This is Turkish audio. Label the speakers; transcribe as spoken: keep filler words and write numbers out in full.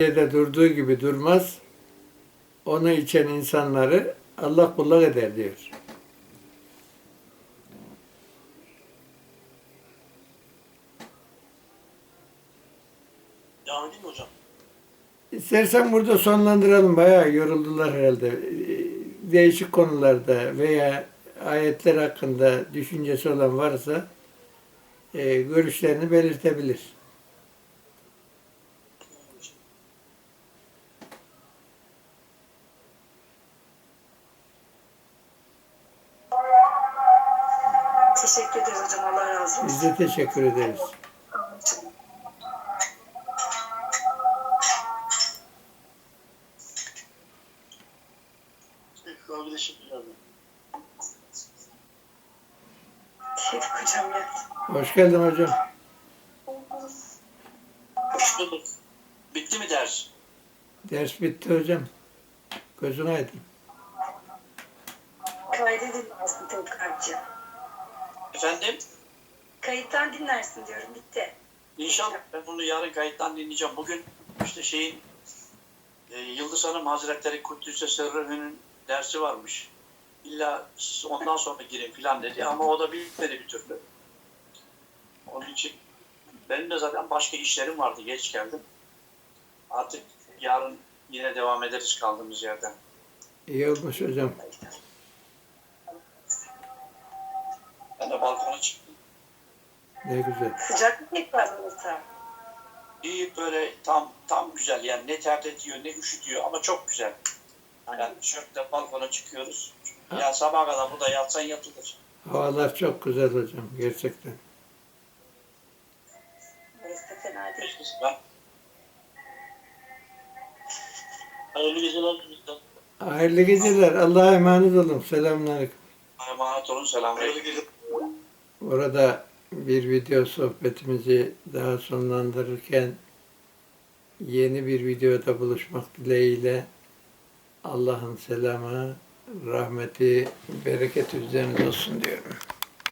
Speaker 1: yerde durduğu gibi durmaz. Onu içen insanları Allah kullak eder diyor.
Speaker 2: Devam edeyim mi hocam?
Speaker 1: İstersen burada sonlandıralım. Bayağı yoruldular herhalde. Değişik konularda veya ayetler hakkında düşüncesi olan varsa e, görüşlerini belirtebilir.
Speaker 3: Teşekkür ederiz hocam. Allah razı olsun.
Speaker 1: Biz de teşekkür ederiz.
Speaker 2: Kardeşim geldi.
Speaker 3: Teşekkür hocam ya.
Speaker 1: Hoş geldin hocam.
Speaker 2: Hoş bulduk. Bitti mi ders?
Speaker 1: Ders bitti hocam. Gözün aydın.
Speaker 3: Kaydedin aslında tekrarcı.
Speaker 2: Efendim?
Speaker 3: Kayıttan dinlersin diyorum. Bitti.
Speaker 2: İnşallah ben bunu yarın kayıttan dinleyeceğim. Bugün işte şeyin e, Yıldız Hanım Hazretleri Kuddüs'e Sırrı'nın dersi varmış. İlla ondan sonra girin filan dedi ama o da bitmedi bir türlü. Onun için benim de zaten başka işlerim vardı. Geç geldim. Artık yarın yine devam ederiz kaldığımız yerden.
Speaker 1: İyi olmuş hocam.
Speaker 2: Ben de balkona çıktım.
Speaker 1: Ne güzel.
Speaker 3: Sıcak mı tekrar burası?
Speaker 2: İyi böyle tam tam güzel yani ne terletiyor ne üşütüyor ama çok güzel. Yani şöyle balkona çıkıyoruz. Ya sabaha kadar burada yatsan yatılır.
Speaker 1: Havalar çok güzel hocam. Gerçekten.
Speaker 3: Neyse fena değil.
Speaker 2: Ben... Hayırlı geceler bizden.
Speaker 1: Hayırlı geceler. Allah'a emanet olun. Selamünaleyküm.
Speaker 2: Emanet olun. Selamünaleyküm.
Speaker 1: Orada bir video sohbetimizi daha sonlandırırken yeni bir videoda buluşmak dileğiyle Allah'ın selamı, rahmeti, bereketi üzerinize olsun diyorum.